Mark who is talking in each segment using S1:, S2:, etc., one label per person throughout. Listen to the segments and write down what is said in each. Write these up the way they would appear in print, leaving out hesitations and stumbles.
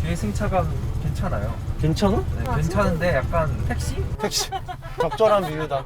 S1: 뒤에 승차감 괜찮아요.
S2: 괜찮아?
S1: 네, 괜찮은데 약간 택시?
S2: 택시. 적절한 비유다.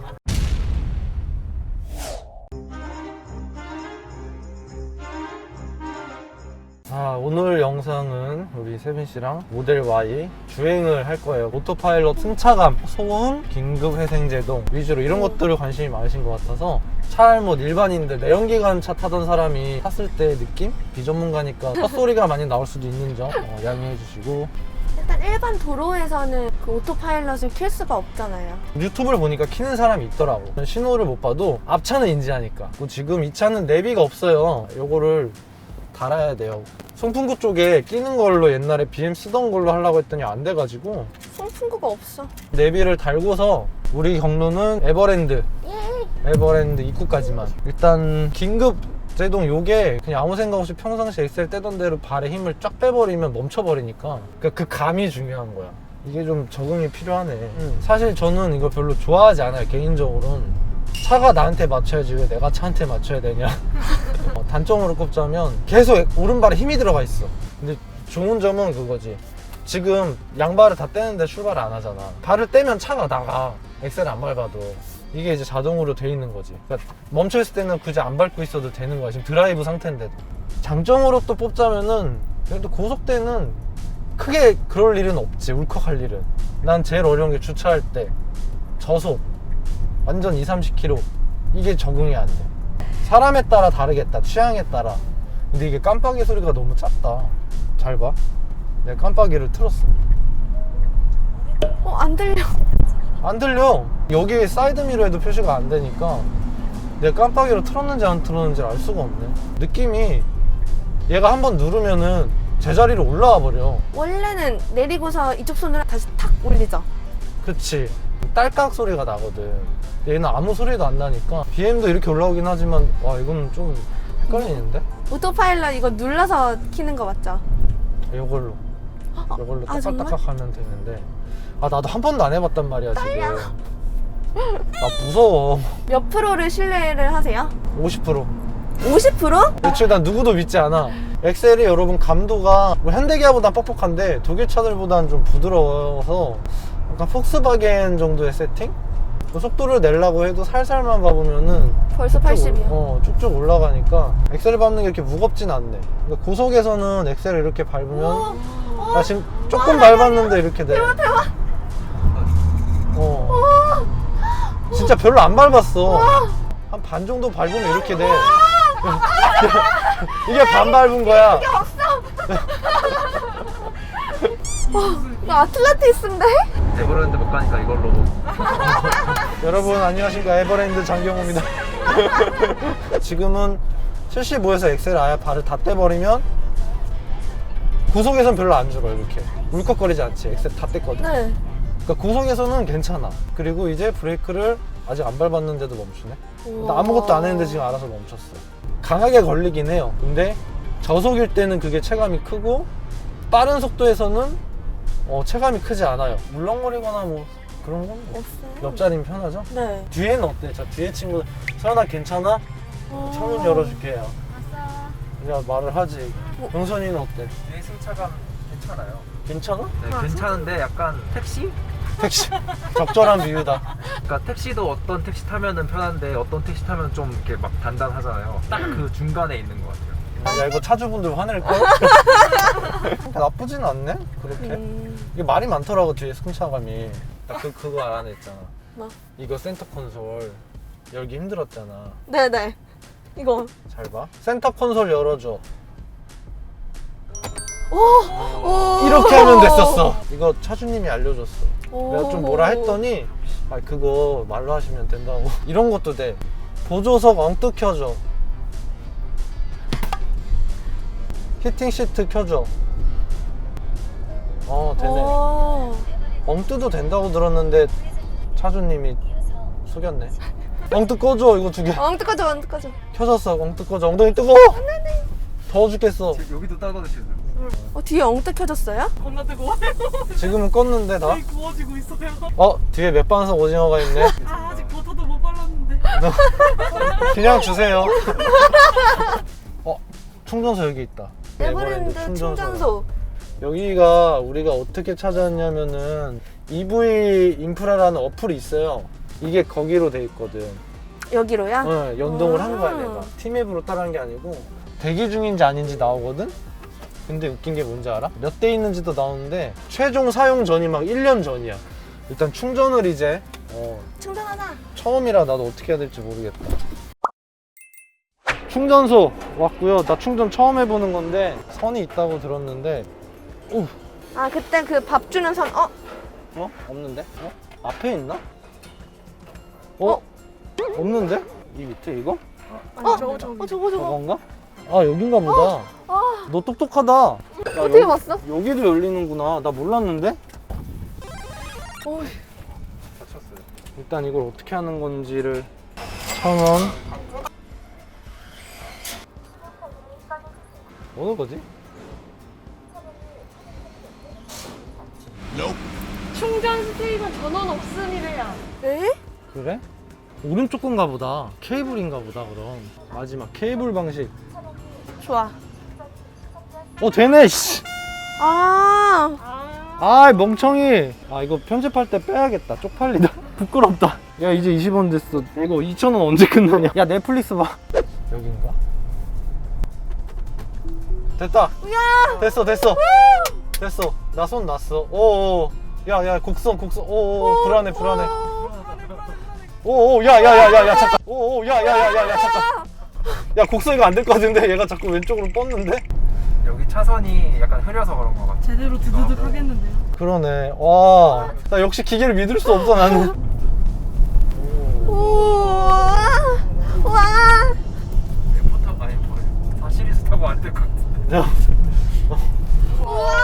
S2: 오늘 영상은 우리 세빈 씨랑 모델 Y 주행을 할 거예요. 오토파일럿 승차감, 소음, 긴급 회생 제동 위주로 이런 것들을 관심이 많으신 것 같아서 차 알못 일반인들 내연기관 차 타던 사람이 탔을 때 느낌? 비전문가니까 헛소리가 많이 나올 수도 있는 점 양해해 주시고,
S3: 일단 일반 도로에서는 그 오토파일럿을 킬 수가 없잖아요.
S2: 유튜브를 보니까 키는 사람이 있더라고. 신호를 못 봐도 앞차는 인지하니까. 지금 이 차는 내비가 없어요. 요거를 달아야 돼요. 송풍구 쪽에 끼는 걸로 옛날에 BM 쓰던 걸로 하려고 했더니 안 돼가지고
S3: 송풍구가 없어.
S2: 내비를 달고서 우리 경로는 에버랜드 입구까지만. 일단 긴급 제동 요게 그냥 아무 생각 없이 평상시 엑셀 떼던 대로 발에 힘을 쫙 빼버리면 멈춰버리니까 그 감이 중요한 거야. 이게 좀 적응이 필요하네. 사실 저는 이거 별로 좋아하지 않아요, 개인적으로는. 차가 나한테 맞춰야지 왜 내가 차한테 맞춰야 되냐. 단점으로 꼽자면 계속 오른발에 힘이 들어가 있어. 근데 좋은 점은 그거지. 지금 양발을 다 떼는데 출발을 안 하잖아. 발을 떼면 차가 나가. 엑셀을 안 밟아도. 이게 이제 자동으로 돼 있는 거지. 그러니까 멈춰있을 때는 굳이 안 밟고 있어도 되는 거야. 지금 드라이브 상태인데도. 장점으로 또 뽑자면은 그래도 고속대는 크게 그럴 일은 없지. 울컥할 일은. 난 제일 어려운 게 주차할 때 저속 완전 20-30km 이게 적응이 안 돼. 사람에 따라 다르겠다, 취향에 따라. 근데 이게 깜빡이 소리가 너무 작다. 잘 봐, 내가 깜빡이를 틀었어.
S3: 안 들려.
S2: 안 들려. 여기 사이드미러에도 표시가 안 되니까 내가 깜빡이로 틀었는지 안 틀었는지 알 수가 없네. 느낌이 얘가 한번 누르면은 제자리로 올라와 버려.
S3: 원래는 내리고서 이쪽 손으로 다시 탁 올리죠.
S2: 그치. 딸깍 소리가 나거든. 얘는 아무 소리도 안 나니까. BM도 이렇게 올라오긴 하지만 와, 이건 좀 헷갈리는데?
S3: 오토파일럿 이거 눌러서 키는 거 맞죠?
S2: 이걸로
S3: 아,
S2: 딱딱딱 하면 되는데. 나도 한 번도 안 해봤단 말이야 지금. 나 무서워.
S3: 몇 프로를 신뢰를 하세요?
S2: 50%.
S3: 50%?
S2: 애초에 난 누구도 믿지 않아. 엑셀이 여러분 감도가 뭐 현대기아보단 뻑뻑한데 독일 차들보단 좀 부드러워서 약간 폭스바겐 정도의 세팅? 뭐 속도를 내려고 해도 살살만 밟으면은
S3: 벌써 80이요.
S2: 쭉쭉 올라가니까 엑셀을 밟는 게 이렇게 무겁진 않네. 그러니까 고속에서는 엑셀을 이렇게 밟으면 나 지금 조금 밟았는데 이렇게 돼.
S3: 대박.
S2: 진짜 별로 안 밟았어. 한 반 정도 밟으면 이렇게 돼. 이게 반 밟은 거야.
S3: 이게 없어. 이거 아틀란티스인데?
S1: 에버랜드 못 가니까 이걸로.
S2: 여러분 안녕하십니까, 에버랜드 장경호입니다. 지금은 75에서 엑셀 아예 발을 다 떼버리면 구속에선 별로 안 죽어. 이렇게 울컥거리지 않지. 엑셀 다 뗐거든.
S3: 네.
S2: 그러니까 구속에서는 괜찮아. 그리고 이제 브레이크를 아직 안 밟았는데도 멈추네. 나 아무것도 안 했는데 지금 알아서 멈췄어. 강하게 걸리긴 해요. 근데 저속일 때는 그게 체감이 크고 빠른 속도에서는 체감이 크지 않아요. 울렁거리거나 뭐 그런 건
S3: 없어요.
S2: 옆자리는 편하죠?
S3: 네.
S2: 뒤에는 어때? 자, 뒤에 친구들 서연아 괜찮아? 창문 열어줄게요. 그냥 말을 하지. 영선이는 어때?
S1: 뒤에 승차감 괜찮아요.
S2: 괜찮아?
S1: 네, 괜찮은데 약간 택시?
S2: 택시. 적절한 비유다.
S1: 그러니까 택시도 어떤 택시 타면은 편한데 어떤 택시 타면 좀 이렇게 막 단단하잖아요. 딱 그 중간에 있는 것 같아요.
S2: 야, 이거 차주분들 화낼걸? 나쁘진 않네? 그렇게? 이게 말이 많더라고, 뒤에 승차감이. 나 그거 알아냈잖아.
S3: 뭐?
S2: 이거 센터 콘솔 열기 힘들었잖아.
S3: 네네. 이거.
S2: 잘 봐. 센터 콘솔 열어줘.
S3: 오.
S2: 이렇게 하면 됐었어. 이거 차주님이 알려줬어. 내가 좀 뭐라
S3: 오.
S2: 했더니 그거 말로 하시면 된다고. 이런 것도 돼. 보조석 엉뚱 켜줘. 히팅 시트 켜줘. 되네.
S3: 오.
S2: 엉뜨도 된다고 들었는데 차주님이 속였네. 엉뜨 꺼줘. 이거 2개
S3: 엉뜨 꺼져.
S2: 켜졌어. 엉뜨 꺼줘. 엉덩이 뜨거워. 더워 죽겠어.
S1: 여기도 따가우시죠?
S3: 뒤에 엉뜨 켜졌어요?
S4: 겁나 뜨거워요.
S2: 지금은 껐는데 나?
S4: 거의 구워지고 있어요.
S2: 뒤에 맥반석 오징어가 있네.
S4: 아직 버터도 못 발랐는데.
S2: 그냥 주세요. 충전소 여기 있다.
S3: 에버랜드 충전소.
S2: 여기가 우리가 어떻게 찾았냐면은 EV 인프라라는 어플이 있어요. 이게 거기로 돼 있거든.
S3: 여기로요?
S2: 네, 연동을 한 거야 내가. 팀앱으로 따라한 게 아니고 대기 중인지 아닌지 나오거든? 근데 웃긴 게 뭔지 알아? 몇 대 있는지도 나오는데 최종 사용 전이 막 1년 전이야. 일단 충전을 이제
S3: 충전하자.
S2: 처음이라 나도 어떻게 해야 될지 모르겠다. 충전소 왔고요. 나 충전 처음 해보는 건데 선이 있다고 들었는데
S3: 아 그때 그 밥 주는 선
S2: 없는데? 앞에 있나? 없는데? 이 밑에 이거?
S3: 저거.
S2: 저건가? 아 여긴가 보다. 너 똑똑하다. 야,
S3: 어떻게 봤어?
S2: 여기도 열리는구나. 나 몰랐는데?
S1: 다쳤어요.
S2: 일단 이걸 어떻게 하는 건지를 1,000원. 어느 거지?
S5: 충전 스테이션 전원 없음이래요.
S3: 에?
S2: 그래? 오른쪽 건가 보다. 케이블인가 보다 그럼. 마지막 케이블 방식.
S3: 좋아.
S2: 되네 씨. 아 멍청이. 이거 편집할 때 빼야겠다. 쪽팔리다. 부끄럽다. 야 이제 20원 됐어. 이거 2,000원 언제 끝나냐. 야 넷플릭스 봐. 여긴가? 됐다.
S3: 야!
S2: 됐어. 나 손 났어. 오오. 야 곡선. 오오 불안해. 오오 야야야야야 잠깐. 오오 야야야야야 잠깐. 야 곡선 이거 안 될 것 같은데 얘가 자꾸 왼쪽으로 뻗는데?
S1: 여기 차선이 약간 흐려서 그런 것 같아.
S4: 제대로 드드득 하겠는데요.
S2: 그러네. 와, 나 역시 기계를 믿을 수 없어 나는.
S3: 우와. 와.
S1: F 타고 아니 사시리즈 타고 안 될 것 같은데.
S2: 야,
S3: 우와.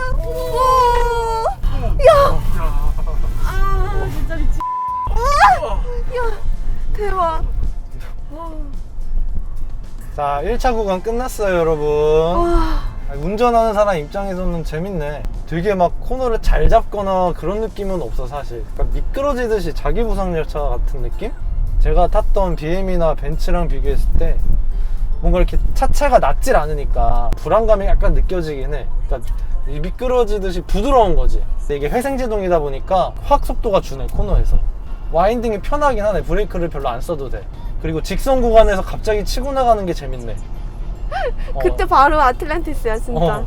S3: 우와. 야.
S4: 아 진짜 미치.
S3: 야. 대박.
S2: 자 1차 구간 끝났어요 여러분. 운전하는 사람 입장에서는 재밌네. 되게 막 코너를 잘 잡거나 그런 느낌은 없어 사실. 그러니까 미끄러지듯이 자기 부상 열차 같은 느낌? 제가 탔던 BM이나 벤츠랑 비교했을 때 뭔가 이렇게 차체가 낮질 않으니까 불안감이 약간 느껴지긴 해. 그러니까 이 미끄러지듯이 부드러운 거지. 근데 이게 회생제동이다 보니까 확 속도가 주네 코너에서. 와인딩이 편하긴 하네. 브레이크를 별로 안 써도 돼. 그리고 직선 구간에서 갑자기 치고 나가는 게 재밌네.
S3: 그때 바로 아틀란티스야 진짜.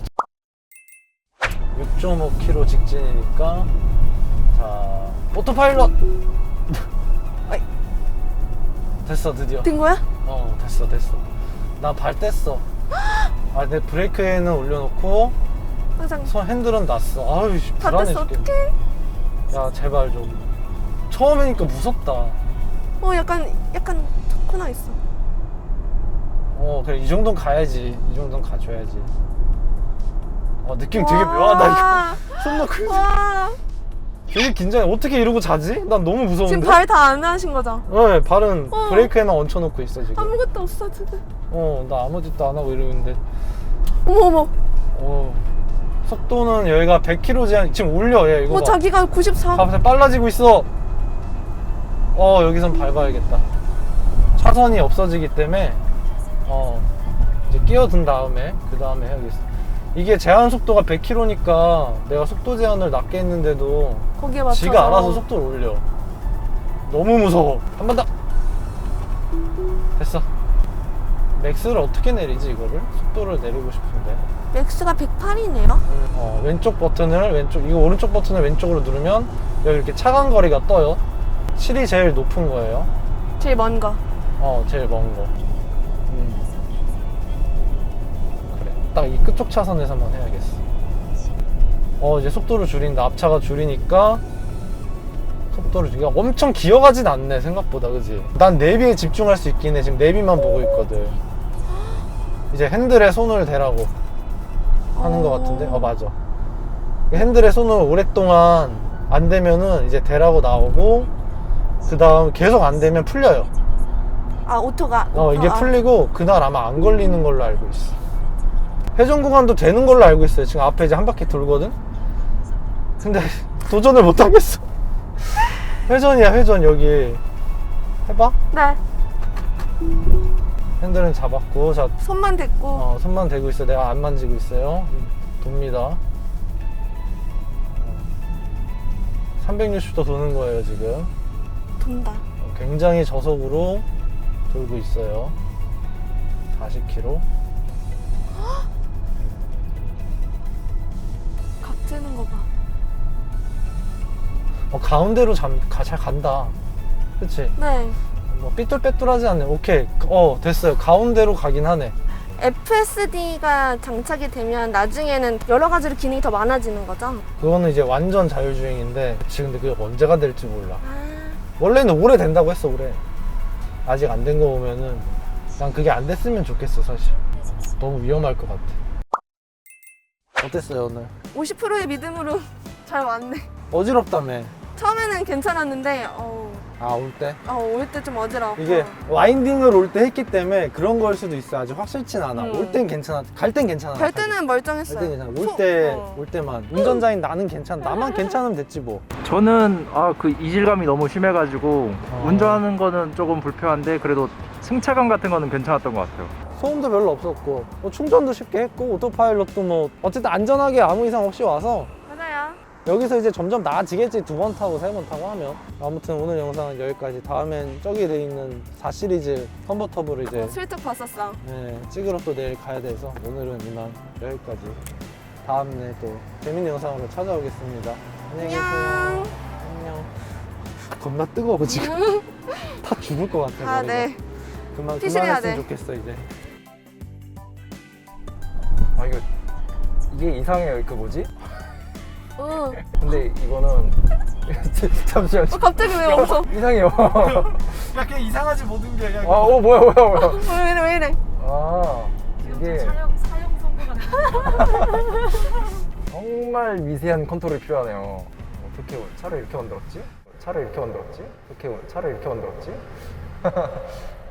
S2: 6.5km 직진이니까. 자 오토파일럿. 아이. 됐어 드디어.
S3: 된 거야?
S2: 됐어 나 발 뗐어. 내 브레이크에는 올려놓고
S3: 항상
S2: 손 핸들은 놨어. 아유
S3: 다
S2: 불안해
S3: 뗐어.
S2: 죽겠네.
S3: 어떡해?
S2: 야 제발 좀. 처음이니까 무섭다.
S3: 약간 코너 있어.
S2: 그래 이 정도는 가야지. 이 정도는 가줘야지. 느낌 되게 묘하다 이거. 손 놓고 있어.
S3: 와.
S2: 되게 긴장해. 어떻게 이러고 자지? 난 너무 무서운데.
S3: 지금 발 다 안 하신 거죠?
S2: 네 발은 브레이크에만 얹혀놓고 있어 지금.
S3: 아무것도 없어 지금.
S2: 나 아무 짓도 안 하고 이러는데.
S3: 어머.
S2: 속도는 여기가 100km 제한. 지금 올려 얘 이거 봐.
S3: 자기가 94.
S2: 봐봐 빨라지고 있어. 여기선 밟아야겠다. 차선이 없어지기 때문에 이제 끼어든 다음에 그 다음에 해야겠어. 이게 제한 속도가 100km니까 내가 속도 제한을 낮게 했는데도
S3: 거기에 맞춰서.
S2: 지가 알아서 속도를 올려. 너무 무서워. 한 번 더. 됐어. 맥스를 어떻게 내리지 이거를? 속도를 내리고 싶은데.
S3: 맥스가 108이네요.
S2: 왼쪽 버튼을 이거 오른쪽 버튼을 왼쪽으로 누르면 여기 이렇게 차간 거리가 떠요. 7이 제일 높은 거예요.
S3: 제일 먼 거.
S2: 제일 먼 거. 그래. 딱 이 끝쪽 차선에서만 해야겠어. 이제 속도를 줄인다. 앞차가 줄이니까 속도를 줄이니까 엄청 기어가진 않네 생각보다. 그지? 난 내비에 집중할 수 있긴 해. 지금 내비만 보고 있거든. 이제 핸들에 손을 대라고 하는 거 같은데? 맞아. 핸들에 손을 오랫동안 안 대면은 이제 대라고 나오고, 그 다음 계속 안 되면 풀려요.
S3: 오토가.
S2: 이게 풀리고 그날 아마 안 걸리는 걸로 알고 있어. 회전 구간도 되는 걸로 알고 있어요. 지금 앞에 이제 한 바퀴 돌거든? 근데 도전을 못 하겠어. 회전이야 회전. 여기 해봐.
S3: 네.
S2: 핸들은 잡았고, 자
S3: 손만 댔고.
S2: 손만 대고 있어. 내가 안 만지고 있어요. 돕니다. 360도 도는 거예요 지금.
S3: 돈다.
S2: 굉장히 저속으로 돌고 있어요. 40km.
S3: 각지는 거 봐.
S2: 가운데로 잘 간다. 그치?
S3: 네.
S2: 뭐 삐뚤빼뚤하지 않네. 오케이. 됐어요. 가운데로 가긴 하네.
S3: FSD가 장착이 되면 나중에는 여러 가지로 기능이 더 많아지는 거죠?
S2: 그거는 이제 완전 자율주행인데 그치, 근데 그게 언제가 될지 몰라.
S3: 아,
S2: 원래는 올해 된다고 했어. 올해 아직 안 된 거 보면은 난 그게 안 됐으면 좋겠어. 사실 너무 위험할 것 같아. 어땠어요 오늘?
S3: 50%의 믿음으로 잘 왔네.
S2: 어지럽다며.
S3: 처음에는 괜찮았는데
S2: 올 때?
S3: 올 때 좀 어지러워.
S2: 이게 와인딩을 올 때 했기 때문에 그런 걸 수도 있어. 아직 확실치는 않아.
S3: 음.
S2: 올 땐 괜찮아. 갈 땐 괜찮아.
S3: 갈 때는 멀쩡했어요.
S2: 갈 땐 괜찮아.
S3: 어.
S2: 올 때만. 운전자인 나는 괜찮아. 나만 괜찮으면 됐지 뭐.
S1: 저는 그 이질감이 너무 심해가지고
S2: 어.
S1: 운전하는 거는 조금 불편한데 그래도 승차감 같은 거는 괜찮았던 것 같아요.
S2: 소음도 별로 없었고 충전도 쉽게 했고 오토파일럿도 뭐 어쨌든 안전하게 아무 이상 없이 와서
S3: 맞아요.
S2: 여기서 이제 점점 나아지겠지. 2번 타고 3번 타고 하면. 아무튼 오늘 영상은 여기까지. 다음엔 저기 돼 있는 4시리즈 컨버터블을 이제
S3: 슬쩍 봤었어.
S2: 찍으러 또 내일 가야 돼서 오늘은 이만 여기까지. 다음에 또 재밌는 영상으로 찾아오겠습니다. 안녕히 계세요.
S3: 안녕.
S2: 안녕. 겁나 뜨거워 지금. 다 죽을 것 같아.
S3: 아,
S2: 머리가.
S3: 네.
S2: 그만했으면
S3: 피신해야 돼.
S2: 좋겠어 이제.
S1: 이게 이상해요. 그 뭐지?
S3: 응.
S1: 근데 이거는 잠시만.
S3: 갑자기 왜 없어?
S1: 이상해요.
S2: 야 그냥 이상하지 모든 게. 야,
S1: 뭐야.
S3: 왜 이래, 왜 이래?
S1: 이게
S4: 사용 선고가
S1: 정말 미세한 컨트롤이 필요하네요. 어떻게 차를 이렇게 만들었지? 차를 이렇게 만들었지?